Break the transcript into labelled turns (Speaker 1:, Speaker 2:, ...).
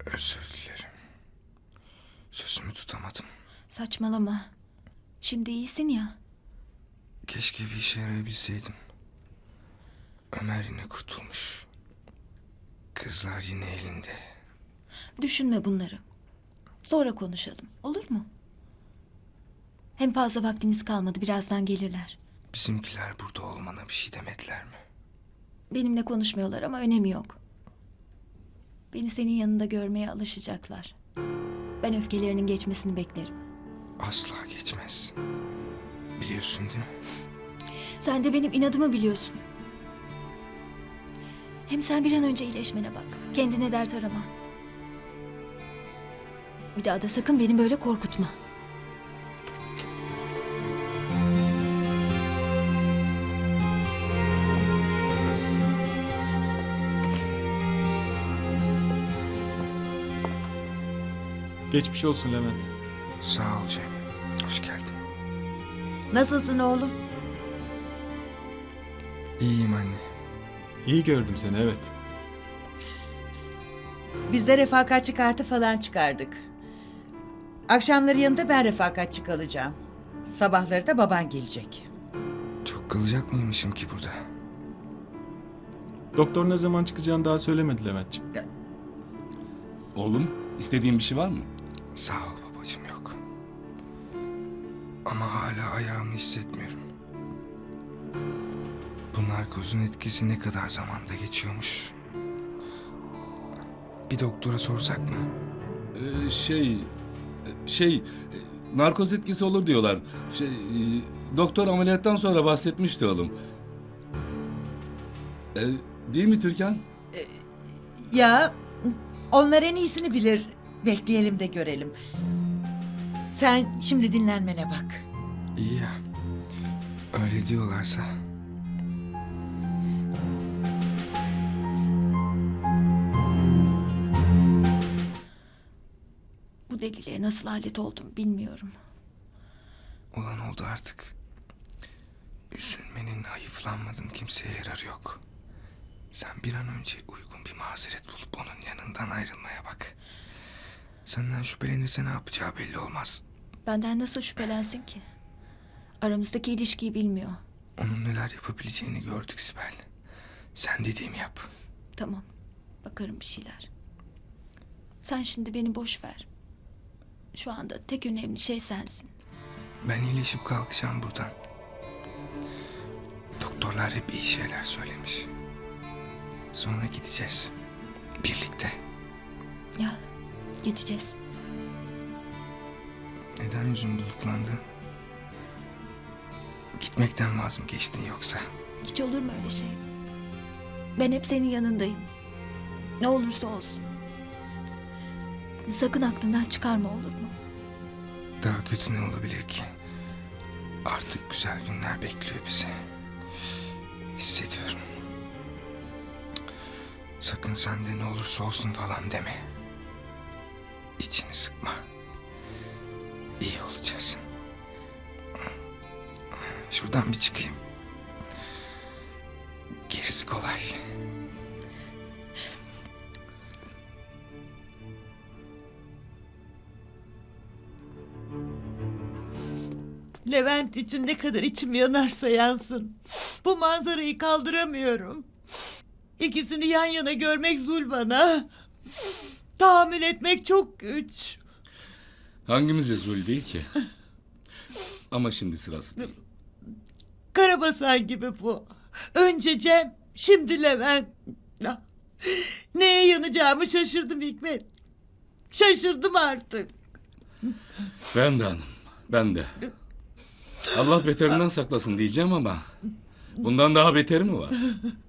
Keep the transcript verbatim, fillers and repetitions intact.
Speaker 1: Özür dilerim. Sözümü tutamadım.
Speaker 2: Saçmalama. Şimdi iyisin ya.
Speaker 1: Keşke bir işe yarayabilseydim. Ömer yine kurtulmuş. Kızlar yine elinde.
Speaker 2: Düşünme bunları. Sonra konuşalım. Olur mu? Hem fazla vaktimiz kalmadı. Birazdan gelirler.
Speaker 1: Bizimkiler burada olmana bir şey demediler mi?
Speaker 2: Benimle konuşmuyorlar ama önemi yok. Beni senin yanında görmeye alışacaklar. Ben öfkelerinin geçmesini beklerim.
Speaker 1: Asla geçmez. Biliyorsun değil mi?
Speaker 2: Sen de benim inadımı biliyorsun. Hem sen bir an önce iyileşmene bak. Kendine dert arama. Bir daha da sakın beni böyle korkutma.
Speaker 3: Geçmiş olsun Levent.
Speaker 1: Sağ ol Cem. Hoş geldin.
Speaker 4: Nasılsın oğlum?
Speaker 1: İyiyim anne.
Speaker 3: İyi gördüm seni, evet.
Speaker 4: Biz de refakatçi kartı falan çıkardık. Akşamları yanında ben refakatçi kalacağım. Sabahları da baban gelecek.
Speaker 1: Çok kalacak mıymışım ki burada?
Speaker 3: Doktor ne zaman çıkacağını daha söylemedi Leventciğim.
Speaker 5: Oğlum, istediğin bir şey var mı?
Speaker 1: Sağ ol babacığım, yok. Ama hala ayağımı hissetmiyorum. Bu narkozun etkisi ne kadar zamanda geçiyormuş? Bir doktora sorsak mı?
Speaker 5: Ee, şey, şey, e, narkoz etkisi olur diyorlar. Şey, e, doktor ameliyattan sonra bahsetmişti oğlum. Ee, değil mi Türkan?
Speaker 4: Ya onlar en iyisini bilir. Bekleyelim de görelim. Sen şimdi dinlenmene bak.
Speaker 1: İyi ya. Öyle diyorlarsa.
Speaker 2: Bu deliliğe nasıl alet oldum bilmiyorum.
Speaker 1: Olan oldu artık. Üzülmenin, hayıflanmadığın kimseye yararı yok. Sen bir an önce uygun bir mazeret bulup onun yanından ayrılmaya bak. Senden şüphelenirse ne yapacağı belli olmaz.
Speaker 2: Benden nasıl şüphelensin ki? Aramızdaki ilişkiyi bilmiyor.
Speaker 1: Onun neler yapabileceğini gördük Sibel. Sen dediğimi yap.
Speaker 2: Tamam. Bakarım bir şeyler. Sen şimdi beni boş ver. Şu anda tek önemli şey sensin.
Speaker 1: Ben iyileşip kalkacağım buradan. Doktorlar hep iyi şeyler söylemiş. Sonra gideceğiz. Birlikte.
Speaker 2: Ya gideceğiz.
Speaker 1: Neden yüzün bulutlandı? Gitmekten vaz mı geçtin yoksa?
Speaker 2: Hiç olur mu öyle şey? Ben hep senin yanındayım. Ne olursa olsun. Bunu sakın aklından çıkarma, olur mu?
Speaker 1: Daha kötü ne olabilir ki? Artık güzel günler bekliyor bizi. Hissediyorum. Sakın sen de ne olursa olsun falan deme. İçini sıkma. İyi olacağız. Şuradan bir çıkayım. Gerisi kolay.
Speaker 4: Levent için ne kadar içim yanarsa yansın. Bu manzarayı kaldıramıyorum. İkisini yan yana görmek zul bana. Tahammül etmek çok güç.
Speaker 5: Hangimize zul değil ki? Ama şimdi sırası değil.
Speaker 4: Karabasan gibi bu. Önce Cem, şimdi Levent. Ah, neye yanacağımı şaşırdım Hikmet. Şaşırdım artık.
Speaker 5: Ben de hanım, ben de. Allah beterinden saklasın diyeceğim ama bundan daha beteri mi var?